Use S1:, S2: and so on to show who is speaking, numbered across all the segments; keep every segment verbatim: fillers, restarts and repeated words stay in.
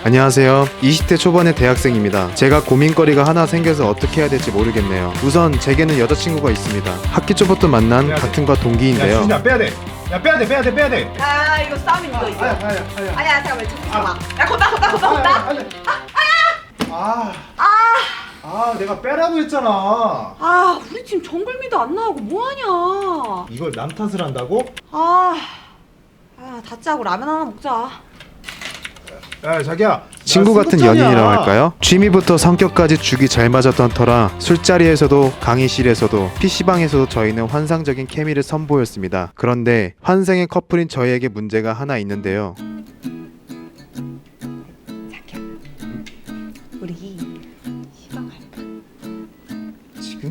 S1: 안녕하세요. 이십 대 초반의 대학생입니다. 제가 고민거리가 하나 생겨서 어떻게 해야 될지 모르겠네요. 우선 제게는 여자친구가 있습니다. 학기 초부터 만난 같은 과
S2: 야
S1: 동기인데요.
S2: 수진아 빼야돼. 야 빼야돼 빼야돼 빼야돼.
S3: 아 이거 싸움 이거 이거.
S2: 아야 아야 아야.
S3: 아니야 잠깐만 잠깐만. 야 건다 건다 건다 건다.
S2: 아,
S3: 아,
S2: 아 내가 빼라고 했잖아.
S3: 아 우리 지금 정글미도 안 나오고 뭐하냐.
S2: 이걸 남 탓을 한다고?
S3: 아, 아 다짜 하고 라면 하나 먹자.
S2: 야 자기야.
S1: 친구
S2: 나
S1: 같은
S2: 스무
S1: 연인이라고
S2: 살이야.
S1: 할까요? 취미부터 성격까지 죽이 잘 맞았던 터라 술자리에서도 강의실에서도 피시방에서도 저희는 환상적인 케미를 선보였습니다. 그런데 환생의 커플인 저희에게 문제가 하나 있는데요.
S3: 자기야, 우리 시방 갈까?
S2: 지금?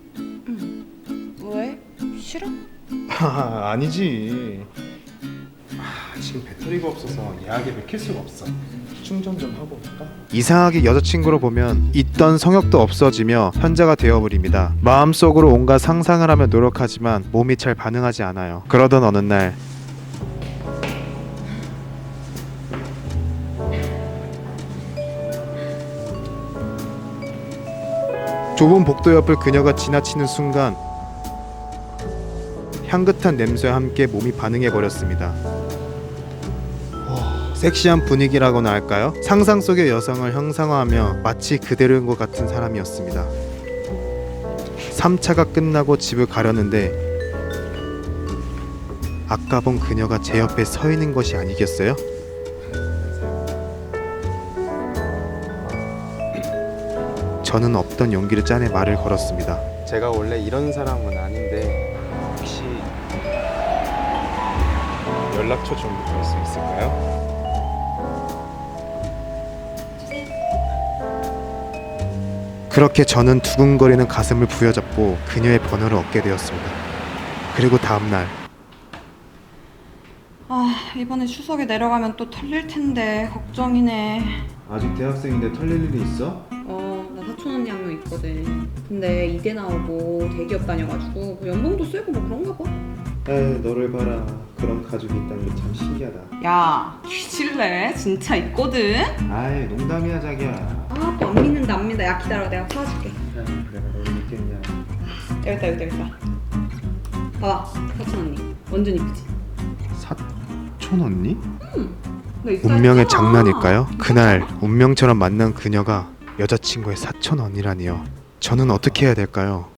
S3: 왜? 싫어?
S2: 아, 아니지. 아, 지금 배터리가 없어서 예약에 맥힐 수가 없어. 충전 좀 하고 올까?
S1: 이상하게 여자친구로 보면 있던 성욕도 없어지며 현자가 되어버립니다. 마음속으로 온갖 상상을 하며 노력하지만 몸이 잘 반응하지 않아요. 그러던 어느 날 좁은 복도 옆을 그녀가 지나치는 순간 향긋한 냄새와 함께 몸이 반응해버렸습니다. 섹시한 분위기라고나 할까요? 상상 속의 여성을 형상화하며 마치 그대로인 것 같은 사람이었습니다. 삼 차가 끝나고 집을 가려는데 아까 본 그녀가 제 옆에 서 있는 것이 아니겠어요? 저는 없던 용기를 짜내 말을 걸었습니다. 제가 원래 이런 사람은 아닌데 혹시 연락처 좀 볼 수 있을까요? 그렇게 저는 두근거리는 가슴을 부여잡고 그녀의 번호를 얻게 되었습니다. 그리고 다음날
S3: 아 이번에 추석에 내려가면 또 털릴 텐데 걱정이네.
S1: 아직 대학생인데 털릴 일이 있어?
S3: 어나 사촌 언니 한 명 있거든. 근데 이대 나오고 대기업 다녀가지고 뭐 연봉도 세고 뭐 그런가 봐.
S1: 에이 너를 봐라. 그런 가족이 있다는 게 참 신기하다.
S3: 야 뒤질래? 진짜 있거든.
S1: 아이 농담이야 자기야.
S3: 아 또 안 믿는다 안 믿는다. 야 기다려 내가 사와줄게.
S1: 내가 널 믿겠냐.
S3: 여기 있다 여기 있다 여기 있다. 봐봐 사촌 언니 완전 이쁘지?
S1: 사촌 언니?
S3: 나 있다
S1: 운명의
S3: 했잖아.
S1: 장난일까요? 그날 운명처럼 만난 그녀가 여자친구의 사촌 언니라니요. 저는 어떻게 해야 될까요?